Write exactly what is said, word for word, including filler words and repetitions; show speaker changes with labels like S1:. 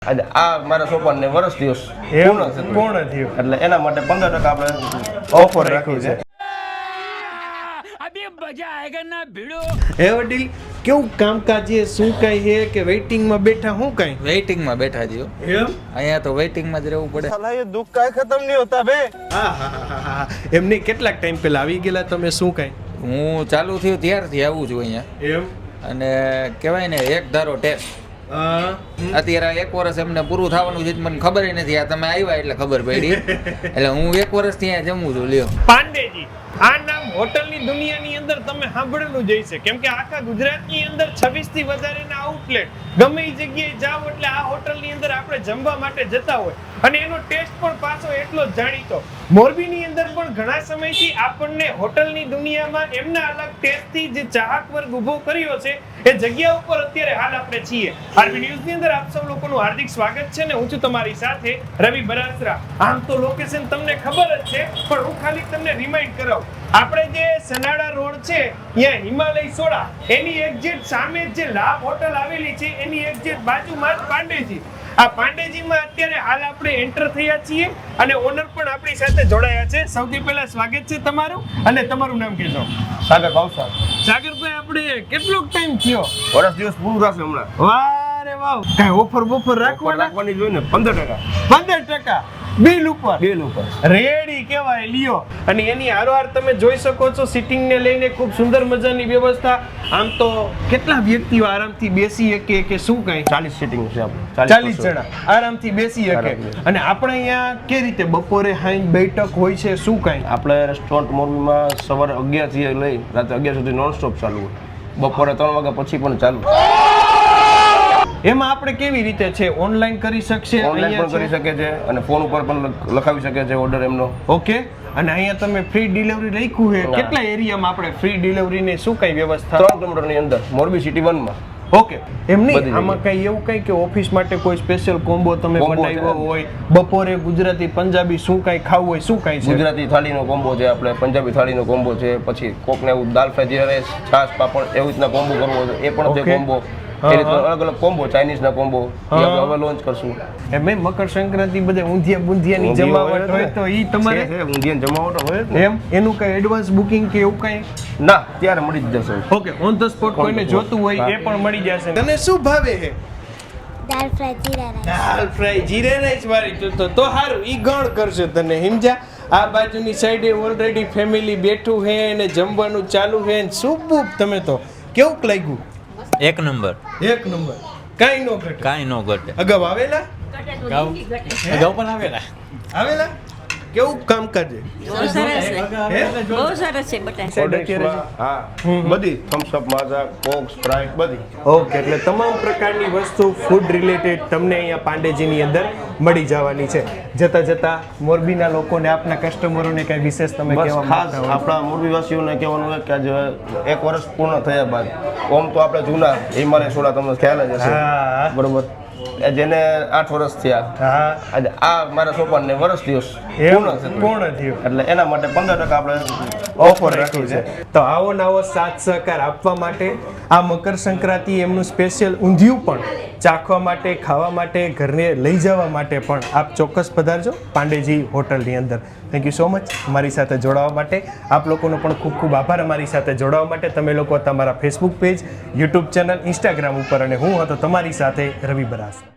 S1: આજે આ મારા સોપાનને વર્ષ દિવસ પૂર્ણ છે
S2: પૂર્ણ થયું
S1: એટલે એના માટે પંદર ટકા આપણે ઓફર રાખી છે.
S3: અભી મજા આયેગા ના ભીડો.
S2: હે વડીલ કેવું કામકાજ છે, શું કઈ છે કે વેઇટિંગ માં બેઠા, શું કઈ
S4: વેઇટિંગ માં બેઠા જીઓ.
S2: એમ
S4: અહીંયા તો વેઇટિંગ માં જ રહેવું પડે.
S1: સાલા એ દુઃખ કાઈ ખતમ નહીં હોતા બે.
S2: હા હા હા હા એમને કેટલાક ટાઈમ પહેલા આવી ગયેલા તમે, શું કઈ
S4: હું ચાલુ થયું ત્યારથી આવું છું અહીંયા.
S2: એમ
S4: અને કહેવાય ને એક ધારો ટેસ્ટ. અત્યારે એક વર્ષ એમને પૂરું થવાનું છે મને ખબર નથી. આ તમે આવ્યા એટલે ખબર પડી. એટલે હું એક વર્ષ ત્યાં જમું છું. લ્યો
S2: પાંડેજી, આ નામ હોટલની દુનિયાની અંદર તમે સાંભળેલું જ હશે, કેમ કે આખા ગુજરાતની અંદર છવ્વીસ થી વધારેના આઉટલેટ ગમે એ જગ્યાએ જાવ એટલે આ હોટલની અંદર આપણે જમવા માટે જતા હોય અને એનો ટેસ્ટ પણ પાછો એટલો જ જાણીતો. મોરબીની અંદર પણ ઘણા સમયથી આપણને હોટલની દુનિયામાં એમના અલગ ટેસ્ટથી જે ચાહક વર્ગ ઊભો કર્યો છે એ જગ્યા ઉપર અત્યારે હાલ આપણે છીએ. આરબી ન્યૂઝની અંદર આપ સૌ લોકોનું હાર્દિક સ્વાગત છે ને હું છું તમારી સાથે રવિ બરાસરા. આમ તો લોકેશન તમને ખબર જ છે, પણ હું ખાલી તમને રિમાઇન્ડ કરાવું. આપણે જે સનાડા રોડ છે ત્યાં હિમાલય સોડા એની એક્ઝેક્ટ સામે જે લાભ હોટલ આવેલી છે એની એક્ઝેક્ટ બાજુમાં જ પાંડેજી. આ પાંડેજીમાં અત્યારે હાલ આપણે એન્ટર થયા છીએ અને ઓનર પણ આપણી સાથે જોડાયા છે. સૌથી પહેલા સ્વાગત છે તમારું અને તમારું નામ કહેજો.
S1: સાગર ભાવસાર.
S2: સાગરભાઈ, આપણે કેટલો ટાઈમ થયો?
S1: વર્ષ દિવસ પૂરું થશે હમણાં.
S2: વાહ રે વાહ, કઈ ઓફર બોફર રાખવાના?
S1: રાખવાની જોઈએ ને પંદર ટકા
S2: પંદર ટકા બિલ ઉપર
S1: બિલ ઉપર
S2: રેડી કહેવાય. લ્યો, અને એની હારોહાર તમે જોઈ શકો છો સિટિંગ ને લઈને ખૂબ સુંદર મજાની વ્યવસ્થા. આમ તો કેટલા વ્યક્તિઓ આરામથી બેસી શકે કે શું કઈ?
S1: ચાલીસ સીટિંગ છે આપણે.
S2: ચાલીસ જણા આરામથી બેસી શકે. અને આપણે અહીંયા કે રીતે બપોરે હાઈ બેઠક હોય છે, શું કઈ?
S1: આપણે રેસ્ટોરન્ટ મોરબીમાં સવારે અગિયાર થી લઈ રાતે અગિયાર સુધી નોન સ્ટોપ ચાલુ હોય. બપોરે ત્રણ વાગ્યા પછી પણ ચાલુ.
S2: એમાં આપણે કેવી રીતે છે, ઓનલાઈન કરી શકશે?
S1: ઓનલાઈન પણ કરી શકે છે અને ફોન ઉપર પણ લખાવી શકે છે ઓર્ડર એમનો.
S2: ઓકે. અને અહીંયા તમે ફ્રી ડિલિવરી રાખ્યું છે. કેટલા એરિયામાં આપણે ફ્રી ડિલિવરી ની શું કઈ વ્યવસ્થા?
S1: ત્રણ કિલોમીટર ની અંદર મોરબી સિટી વન માં.
S2: ઓકે. એમ નહીં, આમાં કઈ એવું કઈ કે ઓફિસ માટે કોઈ સ્પેશિયલ કોમ્બો તમે બનાવ્યો હોય, બપોરે ગુજરાતી પંજાબી શું કઈ ખાવું હોય, શું કઈ છે?
S1: ગુજરાતી થાળીનો કોમ્બો છે, આપણે પંજાબી થાળીનો કોમ્બો છે, પછી કોકને એવું દાલ ફ્રાય જીરા રાઈસ છાશ પાપડ એવી રીતના કોમ્બો કરવો છે એ પણ છે કોમ્બો. એ રીતના અલગ અલગ કોમ્બો, ચાઇનીઝ ના કોમ્બો આપણે હવે લોન્ચ કરશું.
S2: એમ મકર સંક્રાંતિ બધે ઊંધિયા બુંધિયાની જમાવટ હોય તો ઈ તમારે
S1: ઊંધિયાની જમાવટ હોય ને
S2: એમ એનું કઈ એડવાન્સ બુકિંગ કે એવું કઈ?
S1: ના, ત્યારે મળી જ જશે.
S2: ઓકે, ઓન ધ સ્પોટ કોઈને જોતું હોય એ પણ મળી જશે. તને શું ભાવે છે?
S5: Dal fry jeera rice.
S2: Dal fry jeera rice વાળી તો તો તો હારું ઈ ગણ કરશે તને, સમજ્યા? આ બાજુની સાઈડે ઓલરેડી ફેમિલી બેઠું છે અને જમવાનું ચાલુ છે. સુપર. તમે તો કેવું લાગ્યું?
S6: એક નંબર.
S2: એક નંબર. કાઈ નો ઘટે.
S6: કાંઈ નો ઘટે.
S2: અગાઉ આવેલા?
S6: અગાઉ અગાઉ પણ આવેલા.
S2: આવેલા? કેવું કામકાજ છે?
S5: બહુ સરસ છે. બહુ સરસ છે બટા.
S1: હા, બધી Thums Up, Maaza, Coke, Sprite બધી.
S2: ઓકે, એટલે તમામ પ્રકારની વસ્તુ ફૂડ રિલેટેડ તમને અહીંયા પાંડેજીની અંદર મળી જવાની છે. જતા જતા મોરબીના લોકોને, આપના કસ્ટમરોને કઈ વિશેષ તમે
S1: બસ
S2: કહેવા
S1: ખાસ
S2: માંગતા હોય?
S1: આપણા મોરબીવાસીઓને કહેવાનું હોય કે આજે એક વર્ષ પૂર્ણ થયા બાદ ઓમ તો આપણે જૂના હિમાલય સોડા તમને ખ્યાલ જ હશે,
S2: હા
S1: બરોબર, જેને આઠ વર્ષ થયા,
S2: હા,
S1: આજે આ મારા સોપાનને વર્ષ દિવસ
S2: એમ
S1: પૂર્ણ છે
S2: પૂર્ણ થયું
S1: એટલે એના માટે પંદર ટકા આપણે
S2: ઓફર રાખી છે. તો આવો નવો સાથ સહકાર આપવા માટે આ મકર સંક્રાંતિ એમનું સ્પેશિયલ ઊંધિયું પણ ચાખવા માટે, ખાવા માટે, ઘરને લઈ જવા માટે પણ આપ ચોક્કસ પધારજો પાંડેજી હોટલની અંદર. થેન્ક યુ સો મચ અમારી સાથે જોડાવા માટે. આપ લોકોનો પણ ખૂબ ખૂબ આભાર અમારી સાથે જોડાવા માટે. તમે લોકો તમારા Facebook page, YouTube channel, Instagram ઉપર, અને હું હતો તમારી સાથે રવિ બરાસ.